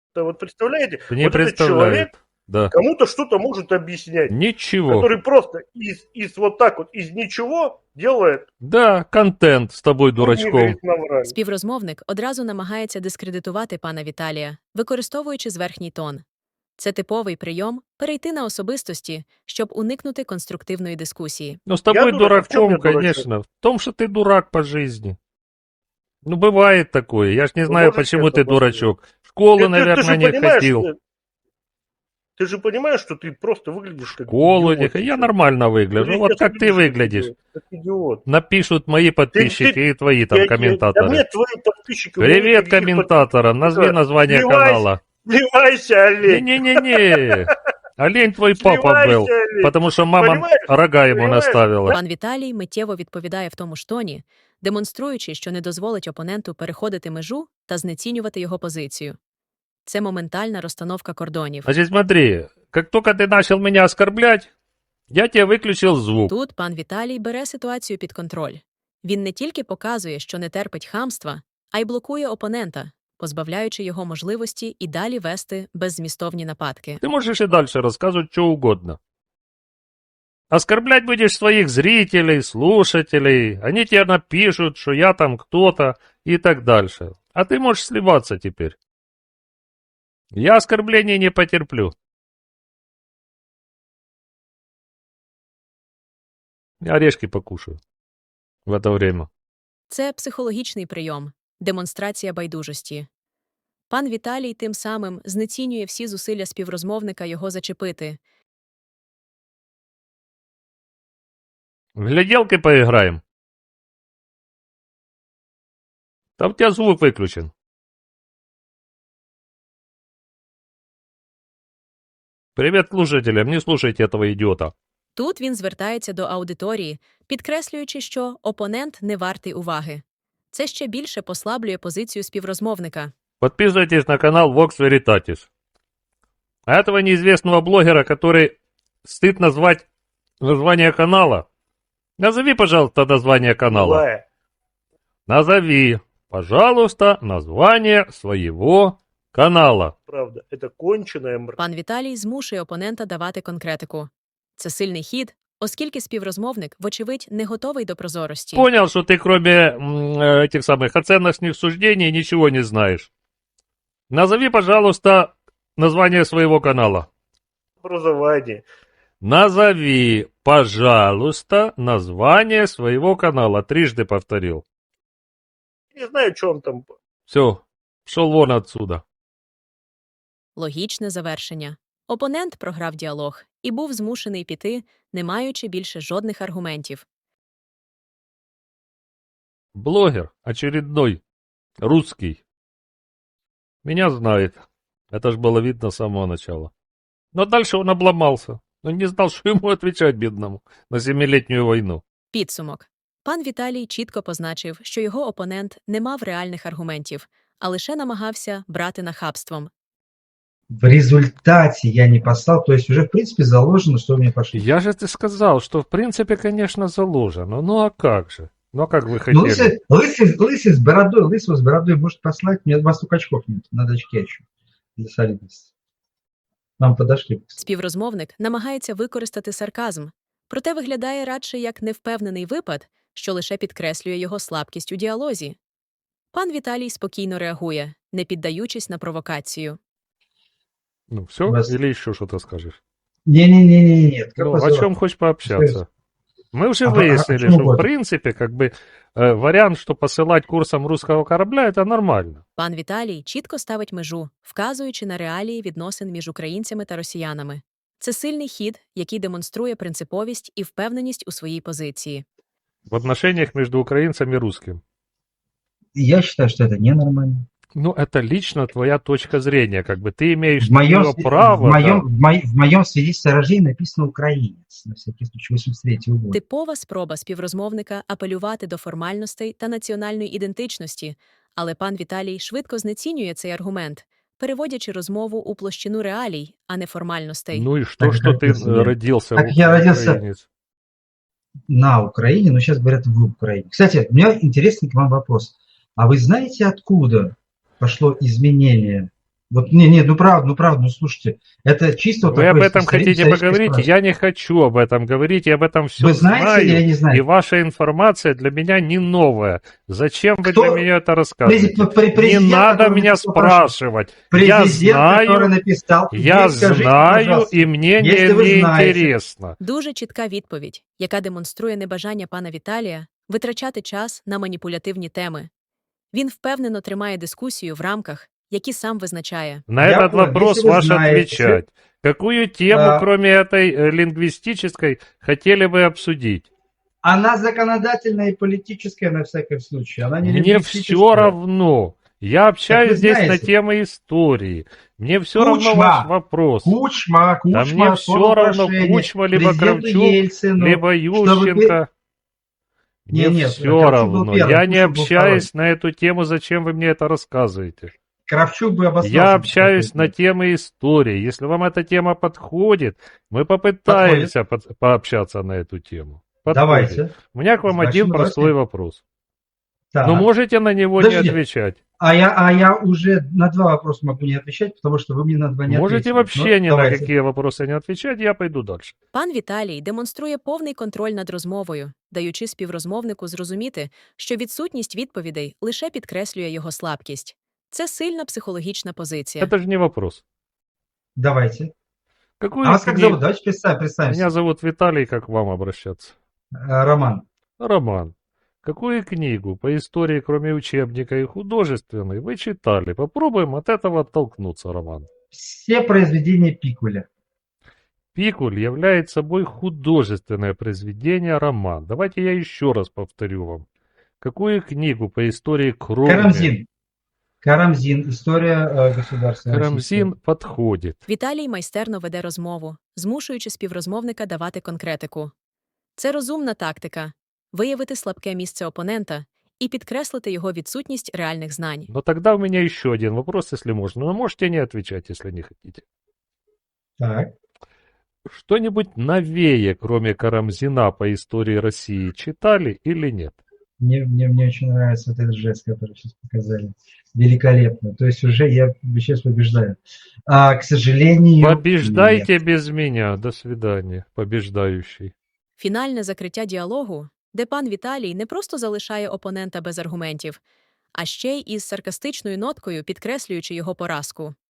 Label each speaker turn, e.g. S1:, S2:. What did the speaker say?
S1: Вот представляете,
S2: Не
S1: вот этот человек
S2: представляет. Да.
S1: кому-то что-то может объяснять,
S2: Ничего.
S1: который просто из вот так вот, из ничего делает,
S2: Да, контент з тобою,
S1: ну, не
S2: дурачком.
S1: говорит наврали.
S3: Співрозмовник одразу намагається дискредитувати пана Віталія, використовуючи зверхній тон. Це типовий прийом перейти на особистості, щоб уникнути конструктивної дискусії.
S2: Ну, с тобой
S1: дурак, а в чем
S2: дураком,
S1: я дурачок?
S2: конечно. В том, что ты дурак по жизни. Ну, бывает такое. Я ж не
S1: Вы
S2: знаю,
S1: можете
S2: почему
S1: это
S2: ты дурачок. В школу,
S1: Ты же
S2: наверное, не
S1: понимаешь,
S2: ходил.
S1: ты же понимаешь, что ты просто выглядишь как
S2: Школу не
S1: идиот
S2: ходил. Я
S1: сейчас.
S2: нормально выгляжу.
S1: Ты
S2: Вот
S1: сейчас
S2: как ты
S1: выглядишь
S2: выглядишь.
S1: как идиот.
S2: Напишут мои подписчики и твои там
S1: Да
S2: комментаторы.
S1: нет, твои подписчики. у меня
S2: Привет
S1: никаких
S2: комментаторам. Назови
S1: Да.
S2: название
S1: Сливайся.
S2: канала.
S1: Сливайся, олень.
S2: Не-не-не-не. Олень твой папа
S1: Сливайся,
S2: был.
S1: олень.
S2: Потому что мама
S1: Понимаешь?
S2: рога ему
S1: Понимаешь?
S2: наставила.
S3: Пан Віталій миттєво відповідає в тому ж тоні, демонструючи, що не дозволить опоненту переходити межу та знецінювати його позицію. Це моментальна розстановка кордонів.
S2: Значит, смотри, как только ты начал меня оскорблять, я тебе выключил звук.
S3: Тут пан Віталій бере ситуацію під контроль. Він не тільки показує, що не терпить хамства, а й блокує опонента, позбавляючи його можливості і далі вести беззмістовні нападки.
S2: Ты можешь и дальше рассказывать что угодно. Оскорблять будешь своих зрителей, слушателей. Они тебе напишут, что я там кто-то и так дальше. А ты можешь сливаться теперь. Я оскорблений не потерплю. Я орешки покушаю в это время.
S3: Це психологічний прийом, демонстрація байдужості. Пан Віталій тим самим знецінює всі зусилля співрозмовника його зачепити.
S2: В гляделки поиграем. Там у тебя звук выключен. Привет слушателям, не слушайте этого идиота.
S3: Тут він звертається до аудиторії, підкреслюючи, що опонент не вартий уваги. Це ще більше послаблює позицію співрозмовника.
S2: Подписывайтесь на канал Vox Veritatis. А этого неизвестного блогера, который стыд назвать название канала. Назови, пожалуйста, название канала.
S1: Злая.
S2: Назови, пожалуйста, название своего канала.
S1: Правда, это конченая мразь.
S3: Пан Віталій змушує опонента давати конкретику. Це сильний хід, оскільки співрозмовник, вочевидь, не готовий до прозорості.
S2: Понял, что ты кроме этих самых оценочных суждений ничего не знаешь. Назови, пожалуйста, название своего канала.
S1: Образование.
S2: Назови, пожалуйста, название своего канала. Трижды повторил.
S1: Не знаю, что он там.
S2: Все, пошел вон отсюда.
S3: Логічне завершення. Опонент програв діалог і був змушений піти, не маючи більше жодних аргументів.
S2: Блогер очередной, русский. Меня знает. Это ж было видно с самого начала. Но дальше он обломался. Он не знал, что ему отвечать, бедному, на 7-летнюю войну.
S3: Підсумок. Пан Віталій чітко позначив, що його опонент не мав реальних аргументів, а лише намагався брати нахабством.
S4: В результате я не послал, то есть уже в принципе заложено, что мне пошли.
S2: Я же ты сказал, что в принципе, конечно, заложено. Ну а как же? Ну а как вы
S4: Ну,
S2: хотели?
S4: лысый с бородой, лысого с бородой может послать, мне 2 столько очков нет, надо очки еще для солидности. Нам подошли.
S3: Співрозмовник намагається використати сарказм, проте виглядає радше як невпевнений випад, що лише підкреслює його слабкість у діалозі. Пан Віталій спокійно реагує, не піддаючись на провокацію.
S2: Ну все?
S4: Вас-
S2: Или еще что-то скажешь?
S4: Не-не-не, нет. Как
S2: Ну,
S4: вас
S2: о
S4: зовут?
S2: чем хочешь пообщаться? Мы уже
S4: А
S2: выяснили,
S4: почему
S2: что в
S4: вот?
S2: принципе, как бы, вариант, что посылать курсом русского корабля, это нормально.
S3: Пан Віталій чітко ставить межу, вказуючи на реалії відносин між українцями та росіянами. Це сильний хід, який демонструє принциповість і впевненість у своїй позиції.
S2: В отношениях между украинцем и русским.
S4: Я считаю, что это ненормально.
S2: Ну, это лично твоя точка зрения, как бы ты имеешь
S4: В моем,
S2: на неё право.
S4: в моем свидетельстве о рождении написано «украинец», на всякий случай, 83-го года.
S3: Типова спроба співрозмовника апелювати до формальностей та національної ідентичності, але пан Віталій швидко знецінює цей аргумент, переводячи розмову у площину реалій, а не формальностей.
S2: Ну и что,
S4: Так,
S2: что
S4: как
S2: ты
S4: я себе-
S2: родился
S4: так я родился-
S2: украинец?
S4: На Украине, но сейчас говорят в Украине. Кстати, у меня интересный к вам вопрос. А вы знаете, откуда пошло изменение Вот, не, ну правда, ну слушайте, это чисто вот
S2: Вы об
S4: такой
S2: этом хотите
S4: исторический
S2: поговорить?
S4: спрос.
S2: Я не хочу об этом говорить, я об этом все
S4: Вы знаете или
S2: знаю,
S4: не
S2: и
S4: знаете?
S2: ваша информация для меня не новая. Зачем вы
S4: Кто
S2: для меня это рассказываете? Не
S4: президент,
S2: надо
S4: который
S2: меня
S4: написал прошение?
S2: спрашивать.
S4: Президент, который написал,
S2: Я
S4: скажите,
S2: знаю,
S4: пожалуйста,
S2: и мне
S4: если вы
S2: не
S4: знаете,
S2: интересно.
S3: Дуже чітка відповідь, яка демонструє небажання пана Віталія витрачати час на маніпулятивні теми. Він впевнено тримає дискусію в рамках, які сам визначає.
S2: На
S4: Я
S2: этот
S4: понял.
S2: вопрос
S4: Если вы
S2: ваш
S4: знаете,
S2: отвечать. Какую тему,
S4: а,
S2: кроме этой лингвистической, хотели бы обсудить?
S4: она законодательная и политическая на всякий случай, она не
S2: Мне
S4: лингвистическая.
S2: все равно. Я общаюсь
S4: вы
S2: здесь на
S4: знаете.
S2: темы истории. Мне все равно
S4: Кучма.
S2: ваш вопрос.
S4: Кучма,
S2: Да мне все
S4: подал
S2: равно,
S4: прошение
S2: Кучма, либо
S4: президенту
S2: Кравчук,
S4: Ельцину,
S2: либо
S4: чтобы
S2: Ющенко. Мне
S4: Нет,
S2: все
S4: Кравчук был
S2: равно.
S4: первый,
S2: Я не
S4: Кучма был
S2: общаюсь на эту тему. Зачем вы мне это рассказываете?
S4: Кравчук бы обосновался.
S2: Я общаюсь на темы истории. Если вам эта тема подходит, мы попытаемся пообщаться на эту тему. Подходит.
S4: Давайте.
S2: У меня к вам
S4: Значит,
S2: один
S4: мы
S2: простой
S4: давайте.
S2: вопрос.
S4: Так.
S2: Но можете на него
S4: Подождите.
S2: не отвечать.
S4: А я уже на 2 вопроса могу не отвечать, потому что вы мне на 2 не
S2: Можете
S4: ответили.
S2: вообще
S4: Ну,
S2: ни на
S4: давайте.
S2: какие вопросы не отвечать, я пойду дальше.
S3: Пан Віталій демонструє повний контроль над розмовою, даючи співрозмовнику зрозуміти, що відсутність відповідей лише підкреслює його слабкість. Це сильна психологічна позиція.
S2: Это же не вопрос.
S4: Давайте.
S2: Какую
S4: А вас как
S2: книгу-
S4: зовут? Давайте представимся.
S2: Меня зовут Виталий, как к вам обращаться?
S4: Роман.
S2: Роман. Какую книгу по истории, кроме учебника и художественной, вы читали? Попробуем от этого оттолкнуться, Роман.
S4: Все произведения Пикуля.
S2: Пикуль является собой художественное произведение, роман. Давайте я еще раз повторю вам. Какую книгу по истории, кроме...
S4: Карамзин. Карамзин. История государства.
S2: Карамзин подходит.
S3: Віталій майстерно веде розмову, змушуючи співрозмовника давати конкретику. Це розумна тактика – виявити слабке місце опонента і підкреслити його відсутність реальних знань.
S2: Но тогда у меня еще один вопрос, если можно. Но можете не отвечать, если не хотите.
S4: Так.
S2: Что-нибудь новее, кроме Карамзина, по истории России читали или нет?
S4: Мне очень нравится вот этот жест, который сейчас показали. Великолепно. То есть уже я сейчас побеждаю. К сожалению,
S2: Побеждайте
S4: нет.
S2: без меня. До свидания, побеждающий.
S3: Фінальне закриття діалогу, де пан Віталій не просто залишає опонента без аргументів, а ще й із саркастичною ноткою підкреслюючи його поразку.